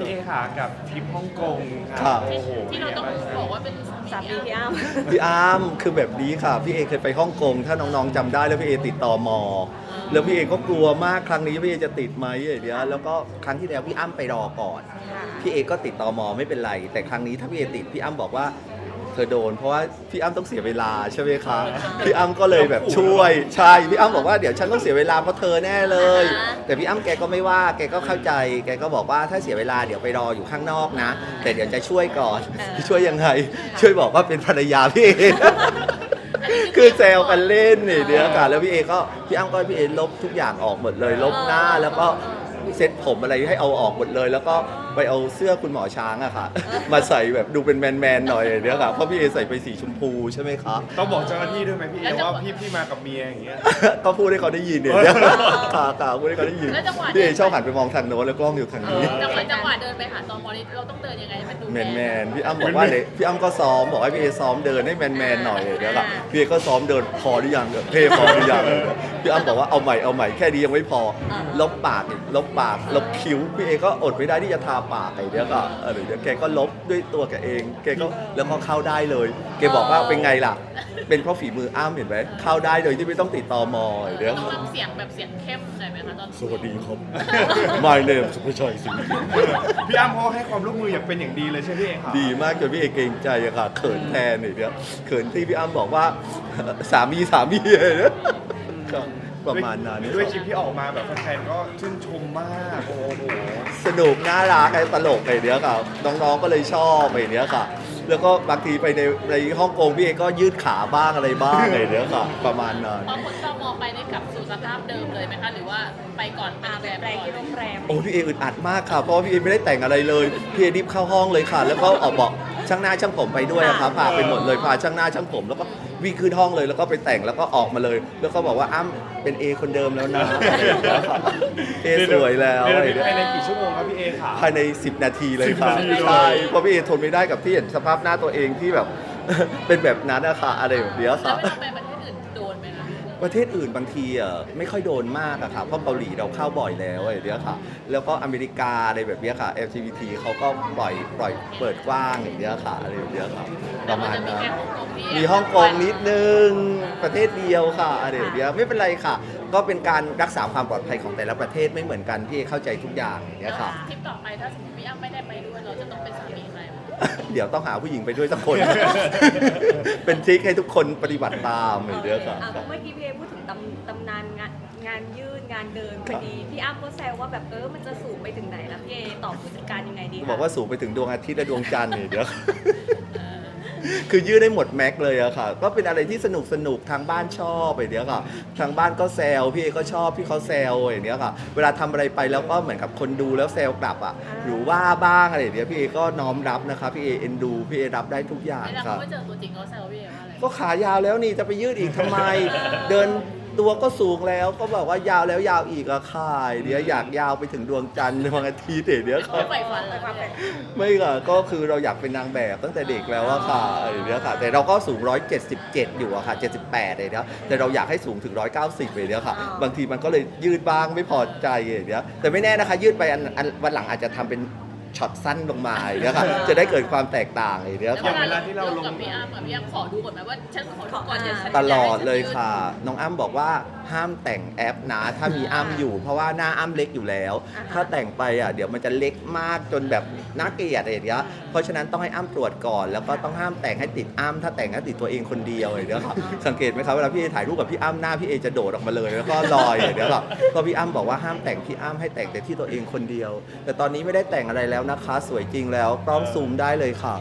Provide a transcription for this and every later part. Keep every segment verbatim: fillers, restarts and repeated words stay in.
พี่เอค่ะกับทริปฮ่องกงครัค่ะบโอ้โหที่เราต้องบอกว่าเป็นสามีพี่อ้ำพี่อาร์มคือแบบนี้ค่ะพี่เอเคยไปฮ่องกงถ้าน้องๆจำได้แล้วพี่เอติดต่อมอแล้วพี่เอก็กลัวมากครั้งนี้พี่เอจะติดไหมอย่างเงี้ยแล้วก็ครั้งที่แล้วพี่อ้ำไปรอก่อนพี่เอก็ติดต่อมอไม่เป็นไร แต่ครั้งนี้ถ้าพี่เอติดพี่อ้ำบอกว่าเธอโดน เพราะว่าพี่อ้ำต้องเสียเวลาใช่ไหมคะพี่อ้ำก็เลยแบบช่วยใช่พี่อ้ำบอกว่าเดี๋ยวฉันต้องเสียเวลาเพราะเธอแน่เลย แต่พี่อ้ำแกก็ไม่ว่าแกก็เข้าใจแกก็บอกว่าถ้าเสียเวลาเดี๋ยวไปรออยู่ข้างนอกนะ แต่เดี๋ยวจะช่วยก่อนช่วยยังไง ช่วยบอกว่าเป็นภรรยาพี่เอ คือแซวกันเล่นนี่เดียวกันแล้วพี่เอก็พี่อ้ำก็พี่เอลบทุกอย่างออกหมดเลยลบหน้าแล้วก็เซ็ตผมอะไรให้เอาออกหมดเลย แล้วก็ไปเอาเสื้อคุณหมอช้างอะค่ะ มาใส่แบบดูเป็นแมนๆหน่อยเดียวค่ะเพราะพี่เอใส่ไปสีชมพูใช่ไหมคะต้องบอกเจ้าหน้าที่ด้วยไหมพี่เอว่าพี่พี่มากับเมียอย่างเงี้ยก็พูดให้เขาได้ยินเนี่ยเนี่ยค่ะค่ะพูดให้เขาได้ยินแล้วจังหวะพี่เอชอบหันไปมองทางโน้นแล้วกล้องอยู่ทางนี้จังหวะจังหวะเดินไปหาตอมอนี่เราต้องเดินยังไงให้มันดูแมนแมนๆพี่อ้ำบอกว่าเดี๋ยวพี่อ้ำก็ซ้อมบอกให้พี่เอซ้อมเดินให้แมนแมนๆหน่อยเดี๋ยวก่อนพี่เอก็ซ้อมเดินพอหรือยังเท่พอหรือยังพี่อ้ำบอกว่าเอาใหม่เอาใหม่แค่นี้ยังไม่พอลบปากอีกลบปากลบคิ้วพี่เอก็อดไม่ได้ที่จะทาปากไอ้เดี๋ยวก็เออเดี๋ยวแกก็ลบด้วยตัวแกเองแกก็แล้วก็เข้าได้เลยแกบอกว่าเป็นไงล่ะ เป็นเพราะฝีมืออ้ำเห็นไหมเข้าได้โดยที่ไม่ต้องติดต่อมอเดี๋ยวต้องทำเสียงแบบเสียงเข้มหน่อยไหมคะตอนสวัสดีครับ My name สุภชัยสิงห์พี่อ้ำเขาให้ความร่วมมืออย่างเป็นอย่างดีเลยใช่ไหมพี่เอค่ะดีมากจนพี่เอเกรงใจอะค่ะเขินแทนเนี่ยเดี๋ยวเขินที่พี่อ้ำบอกว่า สามีสามีเนี่ยก็ประมาณนั้นด้วยคลิปที่ออกมาแบบแฟนๆก็ชื่นชมมากโอ้โหสนุกน่ารักไอ้ตลกไอ้เนี้ยค่ะน้องๆก็เลยชอบไอ้เนี้ยค่ะ แล้วก็บางทีไปในในฮ่องกงพี่เอก็ยืดขาบ้างอะไรบ้างไอ้เนี้ยค่ะ ประมาณนั้นพอคนตอมอไปได้กลับสู่สภาพเดิมเลยไหมคะหรือว่าไปก่อนไปแรมที่โรงแรมโอ้พี่เออึดอัดมากค่ะเพราะว่าพี่เอไม่ได้แต่งอะไรเลยพี่เอรีบเข้าห้องเลยค่ะ แล้วก็ออกบอกช่างหน้าช่างผมไปด้วยอะค่ะพาไปหมดเลยพาช่างหน้าช่างผม แล้วก็วิ่งขึ้นห้องเลยแล้วก็ไปแต่งแล้วก็ออกมาเลย แล้วก็บอกว่าอ้ำเป็นเอคนเดิมแล้วนะเอสวยแล้วเดี๋อะไรยวเนี่ยภายในกี่ชั่วโมงครับพี่เอค่ะภายในสิบนาทีเลยค่ะสิบนาทีเลยใช่เพราะพี่เอทนไม่ได้กับที่เห็นสภาพหน้าตัวเองที่แบบ เป็นแบบนั้นอะค่ะอะไรแบบเนี้ยแล้วค่ะเวลาไปประเทศอื่นโดนไหมคะประเทศอื่นบางทีอ่ะไม่ค่อยโดนมากอะค่ะเพราะเกาหลีเราเข้าบ่อยแล้วอะไรเนี้ยค่ะ แล้วก็อเมริกาอะไรแบบเนี้ยค่ะ แอล จี บี ที เขาก็ปล่อยปล่อยเปิดกว้างอย่างเนี้ยค่ะอะไรแบบเนี้ยค่ะประมาณแต่นั้นจะมีแค่ฮ่องกงที่มีฮ่องกงนิดนึงประเทศเดียวค่ะอะไรแบบเนี้ยไม่เป็นไรค่ะ ก็เป็นการรักษาความปลอดภัยของแต่ละประเทศไม่เหมือนกันพี่เข้าใจทุกอย่างอย่างเนี้ยค่ะทริปต่อไปถ้าสมมติพี่อ้ำไม่ได้ไปด้วยเราจะต้องเป็นสามีใครเดี๋ยวต้องหาผู้หญิงไปด้วยสักคน เป็นทริคให้ทุกคนปฏิบัติตามอย่างเนี้ยค่ะอ่ะเมื่อกี้พี่เอพูดถึงตำตำนานงานงานยืดงานเดินพอดีพี่อ้ำก็แซวว่าแบบเออมันจะสูงไปถึงไหนแล้วพี่เอตอบผู้จัดการยังไงดีคะบอกว่าสูงไปถึงดวงอาทิตย์และดวงจันทร์เนี่ยเดี๋ยว คือยืดได้หมดแม็กเลยอะค่ะ ก็เป็นอะไรที่สนุกสนุกทางบ้านชอบไอ้เนี้ยค่ะ ทางบ้านก็แซวพี่เอก็ชอบพี่เขาแซวไอ้เนี้ยค่ะ เวลาทำอะไรไปแล้วก็เหมือนกับคนดูแล้วแซวกลับอะหรือว่าบ้างอะไรอย่างเนี้ยพี่เอก็น้อมรับนะคะพี่เอเอ็นดูพี่เอรับได้ทุกอย่างไม่แล้วค่ะเขาไม่เจอตัวจริงเขาแซวพี่เอว่าอะไรก็ขายาวแล้วนี่จะไปยืดอีกทำไม เดินตัวก็สูงแล้วก็บอกว่ายาวแล้วยาวอีกอะค่ะเดี๋ยวอยากยาวไปถึงดวงจันทร์ในวันอาทิตย์เดี๋ยวค่ะไม่ใฝ่ฝันเลยค่ะไม่ค่ะก็คือเราอยากเป็นนางแบบตั้งแต่เด็กแล้วอะค่ะไอ้เนี้ยค่ะ แต่เราก็สูงหนึ่งร้อยเจ็ดสิบเจ็ดอยู่อะค่ะเจ็ดสิบแปดเลยเนี้ยแต่เราอยากให้สูงถึงหนึ่งร้อยเก้าสิบเลยเนี้ยค่ะ บางทีมันก็เลยยืดบ้างไม่พอใจอย่างเนี้ยแต่ไม่แน่นะคะยืดไปอันอันวันหลังอาจจะทำเป็นช็อตสั้นลงมาอย่างเนี้ยค่ะจะได้เกิดความแตกต่างอย่างเนี้ยแล้วค่ะเวลาที่เราลงกับพี่อ้ำกับพี่อ้ำขอดูก่อนไหมว่าฉันขอดูก่อนเดี๋ยวฉันตลอดเลยค่ะ น้องอ้ำบอกว่าห้ามแต่งแอปนะ ถ้ามีอ้ำอยู่ เพราะว่าหน้าอ้ำเล็กอยู่แล้ว ถ้าแต่งไปอ่ะเดี๋ยวมันจะเล็กมากจนแบบน่าเกลียดอะไรอย่างเงี้ยเพราะฉะนั้นต้องให้อ้ำตรวจก่อน แล้วก็ต้องห้ามแต่งให้ติดอ้ำถ้าแต่งให้ติดตัวเองคนเดียวอย่างเงี้ยค่ะสังเกตไหมครับเวลาพี่เอถ่ายรูปกับพี่อ้ำหน้าพี่เอจะโดดออกมาเลยแล้วก็ลอยอย่างเงี้ยค่ะก็พี่อ้ำบอกว่าห้ามแต่งพี่อ้ำให้แต่งแต่ที่ตัวเองคนเดียว แต่ตอนนี้ไม่ได้แต่งอะไรแล้วนะคะ สวยจริงแล้วกล้องซูมได้เลยค่ะ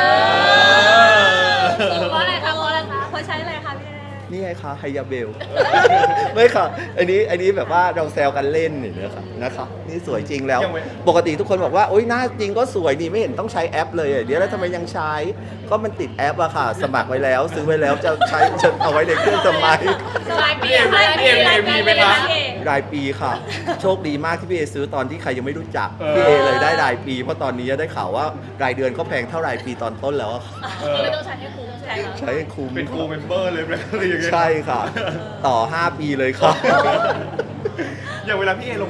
เพราะอะไรคะเพราะอะไรคะเพราะใช้อะไรคะพี่เอนี่ไงคะไฮยาเบล ไม่ค่ะ อันนี้อันนี้แบบว่าเราแซวกันเล่นนี่นะคะนะคะนี่สวยจริงแล้ว ปกติทุกคนบอกว่าโอ๊ยหน้าจริงก็สวยนี่ไม่เห็นต้องใช้แอปเลยเดี๋ยวแล้วทำไมยังใช้ ก็มันติดแอปอะค่ะ สมัครไว้แล้วซื้อไว้แล้วจะใช้จะเอาไว้ในเครื่องสมัยรายปีพี่เอรายปีพี่เอรายปีมีไหมคะพี่เอรายปีค่ะ โชคดีมากที่พี่เอซื้อตอนที่ใครยังไม่รู้จักเออพี่เอเลยได้รายปี เพราะตอนนี้ได้ข่าวว่ารายเดือนก็แพงเท่ารายปีตอนต้นแล้วอะค่ะก็เลยต้องใช้ให้คุ้มใช่ไหมคะใช้ให้คุ้มเป็นกูเมมเบอร์เลยไหมอะไรอย่างเงี้ยใช่ค่ะ ต่อ ห้า ปีเลยค่ะอย่างเวลาพี่เอลงรูปหรือ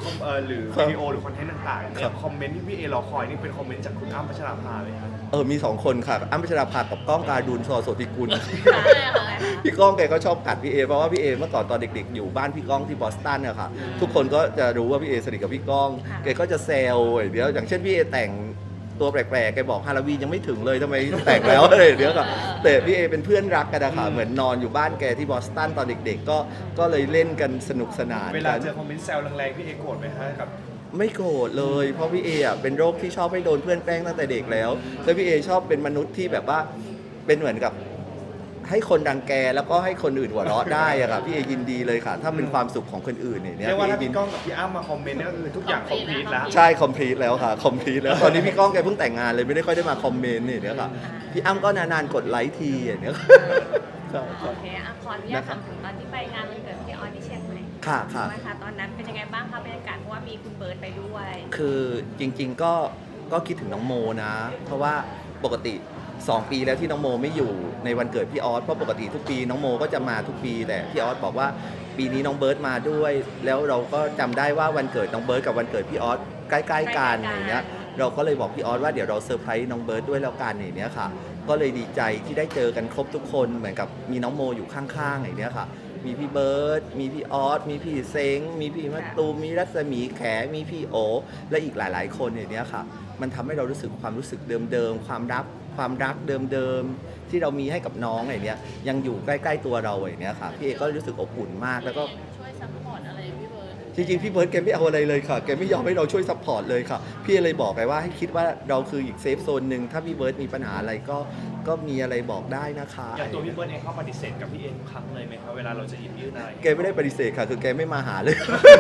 เอ่อหรือวิดีโอหรือคอนเทนต์ต่างๆเนี่ยคอมเมนต์ที่พี่เอรอคอยนี่เป็นคอมเมนต์จากคุณอ้ำพัชราภาเลยครับเออมีสองคนค่ะอ้ำพัชราภากับก้องการดูลสอโสติกุลใช่ค่ะพี่ก้องแกก็ชอบกัดพี่เอเพราะว่าพี่เอเมื่อก่อนตอนเด็กๆอยู่บ้านพี่ก้องที่บอสตันอะค่ะทุกคนก็จะรู้ว่าพี่เอสนิทกับพี่ก้องแกก็จะแซวเดี๋ยวอย่างเช่นพี่เอแต่งตัวแปลกๆแกบอกฮาโลวีนยังไม่ถึงเลยทำไมแต่งแล้วอะไรเดี๋ยวก็แต่พี่เอเป็นเพื่อนรักกันนะคะเหมือนนอนอยู่บ้านแกที่บอสตันตอนเด็กๆก็ก็เลยเล่นกันสนุกสนานเวลากันเจอคอมเมนต์แซวแรงๆพี่เอโกรธไหมฮะกับไม่โกรธเลยเพราะพี่เออ่ะเป็นโรคที่ชอบให้โดนเพื่อนแกล้งตั้งแต่เด็กแล้วแล้วพี่เอชอบเป็นมนุษย์ที่แบบว่าเป็นเหมือนกับให้คนดังแกแล้วก็ให้คนอื่นหัวเราะได้อะค่ะพี่เอยินดีเลยค่ะ ถ้าเป็นความสุขของคนอื่นเนี่ยเรียกว่าถ้าพี่พี่ก้องกับพี่อ้ำมาคอมเมนต์นี่ก็คือทุกอย่างคอมพลีทแล้วใช่คอมพลีทแล้วค่ะคอมพลีทแล้วตอนนี้พี่ก้องแกเพิ่งแต่งงานเลยไม่ได้ค่อยได้มาคอมเมนต์เนี่ยเดี๋ยวค่ะพี่อ้ำก็นานๆกดไลค์ทีอย่างเนี้ยใช่โอเคอ่ะขออนุญาตถามถึงตอนที่ไปงานวันเกิดพี่ออสที่เชียงใหม่ค่ะค่ะใช่ไหมคะตอนนั้นเป็นยังไงบ้างคะบรรยากาศเพราะว่ามีคุณเบิร์ตไปด้วยคือจริงๆก็ก็คิดถึงน้องโมนะ เพราะว่าปกติสองปีแล้วที่น้องโมไม่อยู่ในวันเกิดพี่ออสเพราะปกติทุกปีน้องโมก็จะมาทุกปีแต่พี่ออสบอกว่าปีนี้น้องเบิร์ตมาด้วย แล้วเราก็จำได้ว่าวันเกิดน้องเบิร์ตกับวันเกิดพี่ออสใกล้ๆกันอย่างเงี้ยเราก็เลยบอกพี่ออสว่าเดี๋ยวเราเซอร์ไพรส์น้องเบิร์ตด้วยแล้วกันอย่างเนี้ยค่ะก็เลยดีใจที่ได้เจอกันครบทุกคนเหมือนกับมีน้องโมอยู่ข้างๆอย่างเนี้ยค่ะมีพี่เบิร์ตมีพี่ออสมีพี่เซ้งมีพี่มะตูมมีรัศมีแขมีพี่โอและอีกหลายๆคนอย่างเนี้ยค่ะมันทำให้เรารู้สึกความรู้สึกเดิมๆความรักความรักเดิมๆที่เรามีให้กับน้องอย่างเนี้ยยังอยู่ใกล้ๆตัวเราอย่างเนี้ยค่ะพี่เอก็รู้สึกอบอุ่นมากแล้วก็ช่วยซัพพอร์ตอะไรพี่เบิร์ดจริงๆพี่เบิร์ดแกไม่เอาอะไรเลยค่ะแกไม่ยอมให้เราช่วยซัพพอร์ตเลยค่ะพี่เลยบอกไปว่าให้คิดว่าเราคืออีกเซฟโซนหนึ่งถ้าพี่เบิร์ดมีปัญหาอะไรก็ก็มีอะไรบอกได้นะคะอย่างตัวพี่เบิร์ดเองเขาปฏิเสธกับพี่เอทุกครั้งเลยไหมครับเวลาเราจะหยิบยื่นอะไรแกไม่ได้ปฏิเสธค่ะคือแกไม่มาหาเลย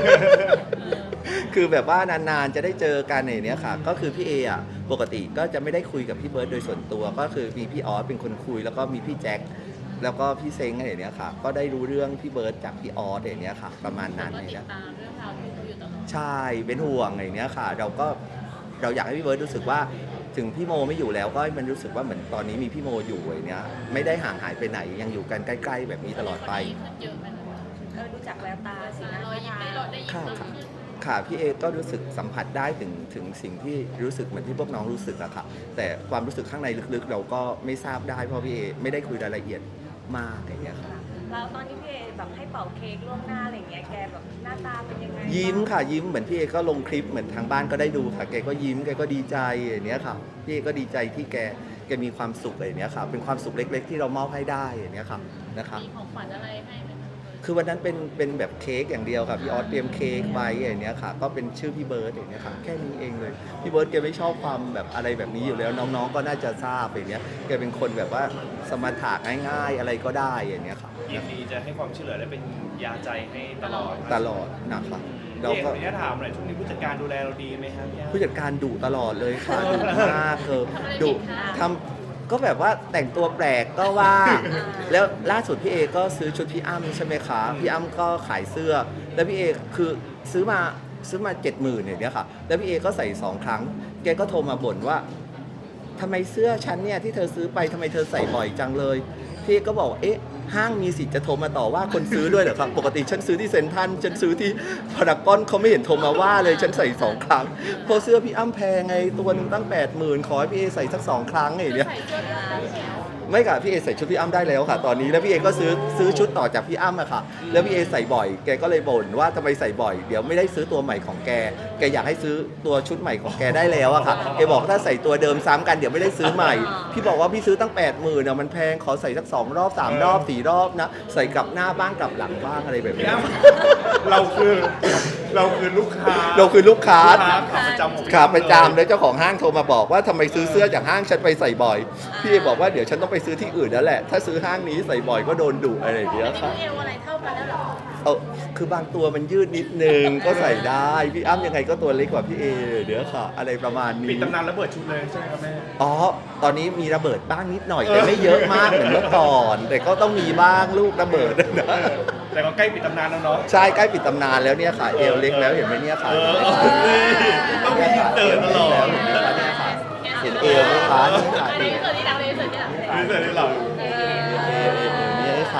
คือแบบว่านานๆจะได้เจอกันอย่างเนี้ยค่ะ ก็คือพี่เออ่ะปกติก็จะไม่ได้คุยกับพี่เบิร์ดโดยส่วนตัว ก็คือมีพี่ออสเป็นคนคุยแล้วก็มีพี่แจ็คแล้วก็พี่เซ้งอะไรอย่างเนี้ยค่ะ ก็ได้รู้เรื่องพี่เบิร์ดจากพี่ออสอย่างเนี้ยค่ะ ประมาณนั้นก็อย่างติดเนี้ยตามเรื่องราวที่เขาอยู่ตลอดใช่เป็นห่วงอย่างเนี้ยค่ะ เราก็เราอยากให้พี่เบิร์ดรู้สึกว่าถึงพี่โมไม่อยู่แล้วก็ให้มันรู้สึกว่าเหมือนตอนนี้มีพี่โมอยู่อย่างเนี้ยไม่ได้ห่างหายไปไหนยังอยู่กันใกล้ๆแบบนี้ตลอดไปขึ้นเยอะไปเลยเออดูจากแววตาสีหน้ารอยยิ้มได้รอยได้ยิ้มค่ะเพิ่มขึ้นค่ะพี่เอก็รู้สึกสัมผัสได้ถึงถึงสิ่งที่รู้สึกเหมือนที่พวกน้องรู้สึกอะค่ะแต่ความรู้สึกข้างในลึกๆ เราก็ไม่ทราบได้เพราะพี่เอไม่ได้คุยรายละเอียดมากอย่างเงี้ยค่ะแล้วตอนที่พี่เอแบบให้เป่าเค้กล่วงหน้าอะไรอย่างเงี้ยแกแบบหน้าตาเป็นยังไงยิ้มค่ะยิ้มเหมือนพี่เอก็ลงคลิปเหมือนทางบ้านก็ได้ดูค่ะแกก็ยิ้มแกก็ดีใจอย่างเนี้ยค่ะพี่เอก็ดีใจที่แกแกมีความสุขอย่างเนี้ยค่ะเป็นความสุขเล็ก ๆ ที่เรามอบให้ได้อย่างเนี้ยค่ะนะคะมีของขวัญอะไรให้ไหมคะคือวันนั้นเป็นเป็นแบบเค้กอย่างเดียวค่ะพี่ออสเตรียมเค้กไว้อย่างเนี้ยค่ะก็เป็นชื่อพี่เบิร์ดอย่างเนี้ยค่ะแค่นี้เองเลยพี่เบิร์ดแกไม่ชอบความแบบอะไรแบบนี้อยู่แล้วน้องๆก็น่าจะทราบอย่างเนี้ยแกเป็นคนแบบว่าสมถะง่ายๆอะไรก็ได้อย่างเนี้ยค่ะยินดีจะให้ความช่วยเหลือและเป็นยาใจให้ตลอดตลอดนะคะเราพี่เอกก็ขออนุญาตถามหน่อยช่วงนี้ผู้จัดการดูแลเราดีไหมครับพี่อ้ำผู้จัดการดุตลอดเลยค่ะดุมากเธอดุทำก็แบบว่าแต่งตัวแปลกก็ว่า แล้วล่าสุดพี่เอก็ซื้อชุดพี่อ้ำใช่ไหมคะพี่อ้ำก็ขายเสื้อ แล้วพี่เอคือซื้อมาซื้อมาเจ็ดหมื่นอย่างเนี้ยค่ะแล้วพี่เอก็ใส่สองครั้งแกก็โทรมาบ่นว่าทำไมเสื้อฉันเนี่ยที่เธอซื้อไปทำไมเธอใส่บ่อยจังเลยพี่เอก็บอกเอ๊ะห้างมีสิทธิ์จะโทรมาต่อว่าคนซื้อด้วยเหรอครับปกติฉันซื้อที่เซ็นทรัลฉันซื้อที่พารากอนเขาไม่เห็นโทรมาว่าเลยฉันใส่สองครั้งเพราะเสื้อพี่อ้ำแพงไงตัวหนึงตั้งแปดหมื่นขอให้พี่เอใส่สักสองครั้งอย่างเนี้ยใส่เสื้อเลือดได้แล้วไม่ค่ะพี่เอใส่ชุดพี่อ้ำได้แล้วค่ะ ตอนนี้แล้วพี่เอก็ซื้อซื้อชุดต่อจากพี่อ้ำอะค่ะแล้วพี่เอใส่บ่อยแกก็เลยบ่นว่าทำไมใส่บ่อยเดี๋ยวไม่ได้ซื้อตัวใหม่ของแกแกอยากให้ซื้อตัวชุดใหม่ของแกได้แล้วอะค่ะแกบอกถ้าใส่ตัวเดิมซ้ำกันเดี๋ยวไม่ได้ซื้อใหม่พี่บอกว่าพี่ซื้อตั้งแปดหมื่นอะมันแพงขอใส่สักสองรอบสามรอบสี่รอบนะใส่กลับหน้าบ้างกลับหลังบ้างอะไรแบบพี่นี้อ้ำเราคือเราคือลูกค้าเราคือลูกค้าลูกค้าขาประจำของพี่ขาอ้ำประจำแล้วเจ้าของห้างโทรมาบอกว่าทำไมซื้อเสื้อจากห้างฉันไปใส่บ่อยพี่เอบอกว่าเดี๋ยวฉันต้องไปซื้อที่อื่นแล้วแหละถ้าซื้อห้างนี้ใส่บ่อยก็โดนดุอะไรอย่างเงี้ยค่ะเอวอะไรเท่ากันแล้วเหรอเอาคือบางตัวมันยืดนิดนึงก็ใส่ได้พี่อ้ำยังไงก็ตัวเล็กกว่าพี่เอเดี๋ยวค่ะ อะไรประมาณนี้ปิดตำนานระเบิดชุดเลยใช่ไหมครับแม่อ๋อตอนนี้มีระเบิดบ้างนิดหน่อยแต่ไม่เยอะมากเหมือนเมื่อก่อน แต่ก็ต้องมีบ้างลูกระเบิดนะแต่ก็ใกล้ปิดตำนานแล้วเนาะใช่ใกล้ปิดตำนานแล้วเนี่ยค่ะเอวเล็กแล้วเห็นไหมเนี่ยค่ะเออต้องมีอินเตอร์ตลอดเห็นไหมคะเนี่ยค่ะเห็นเอวไหมคะนี่ค่ะอันนี้เกิดที่หลังเลยเกิดที่หลังนี่เสร็จแล้วเหรอเอวเนี่ยค่ะ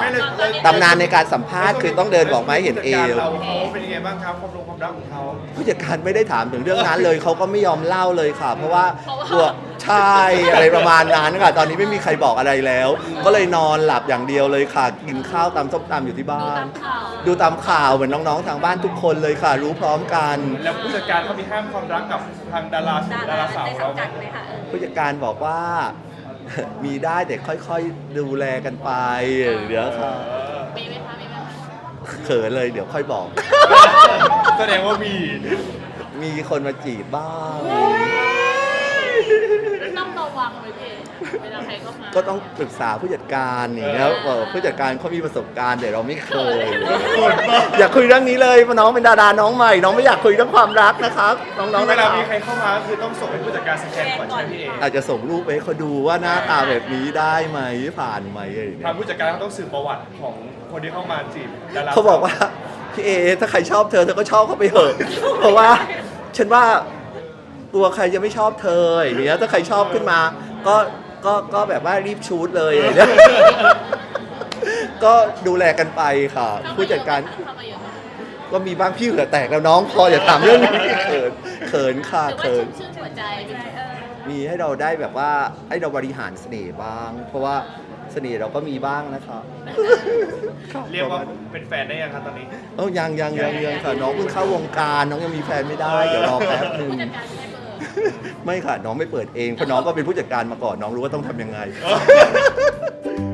ไม่เลยเลยตำนานในการสัมภาษณ์คือต้องเดินบอกไม้เห็นเอวเราเขาเป็นยังไงบ้างครับความรู้ความรักของเขาผู้จัดการไม่ได้ถามถึงเรื่องนั้นเลยเขาก็ไม่ยอมเล่าเลยค่ะ เพราะว่าเพราะว่ากลัวใช่อะไรประมาณนั้นค่ะ ตอนนี้ไม่มีใครบอกอะไรแล้ว ก็เลยนอนหลับอย่างเดียวเลยค่ะ กินข้าวตำส้มตำอยู่ที่บ้าน ดูตามข่าวเหมือนน้องๆทางบ้านทุกคนเลยค่ะ รู้พร้อมกันแล้วผู้จัดการเขามีห้ามความรักกับทางดาราดาดาราราสาวในเขาสังกัดไหมคะเออผู้จัดการบอกว่า มีได้แต่ค่อยๆดูแลกันไปเดี๋ยวค่ะมีไหมคะมีไหมคะเขินเลยเดี๋ยวค่อยบอกแสดงว่ามีมีคนมาจีบบ้างต้องระวังเลยพี่เวลาใครเข้ามาก็ต้องปรึกษาผู้จัดการอย่างเงี้ยเออผู้จัดการเขามีประสบการณ์แต่เราไม่เคย อยากคุยเรื่องนี้เลยเพราะน้องเป็นดาราน้องใหม่ น้องไม่อยากคุยเรื่องความรักนะครับน้องๆเวนะคลารับมีใครเข้ามาก็คือต้องส่งให้ผู้จัดการสแกนก่อนใช่ไหมพี่เออาจจะส่งรูปไปให้เขาดูว่าหน้าตาแบบนี้ได้ไหมผ่านไหมอะไรอย่างเงี้ทางยผู้จัดการเขาต้องสืบประวัติของคนที่เข้ามาจีบดาราเขาบอกว่าพี่เอถ้าใครชอบเธอเธอก็ชอบเขาไปเถอะ เพราะว่าฉันว่าตัวใครจะไม่ชอบเธออย่างเงี้ยถ้าใครชอบขึ้นมา ก็ก็ก็แบบว่ารีบชูดเลยอย่างเงี้ย ก็ดูแลกันไปค่ะ ผู้จัดการเข้ามาเยอะไหมก็มีบ้างพี่เหงื่อแตกแล้วน้องพออย่าถามเรื่องนี้เขินเขินค่ะหรือว่าเขินชื่นชื่นหัวใจมีไหมเออมีให้เราได้แบบว่าให้เราบริหารเสน่ห์บ้าง เพราะว่าเสน่ห์เราก็มีบ้างนะครับเรียกว่าเป็นแฟนได้ยังครับตอนนี้เอ้ายังยังยังยังค่ะน้องเพิ่งเข้าวงการน้องยังมีแฟนไม่ได้เดี๋ยวรอแป๊บหนึ่งผู้จัดการให้เบอร์ไม่ค่ะน้องไม่เปิดเองเพราะน้องก็เป็นผู้จัดการมาก่อนน้องรู้ว่าต้องทำยังไง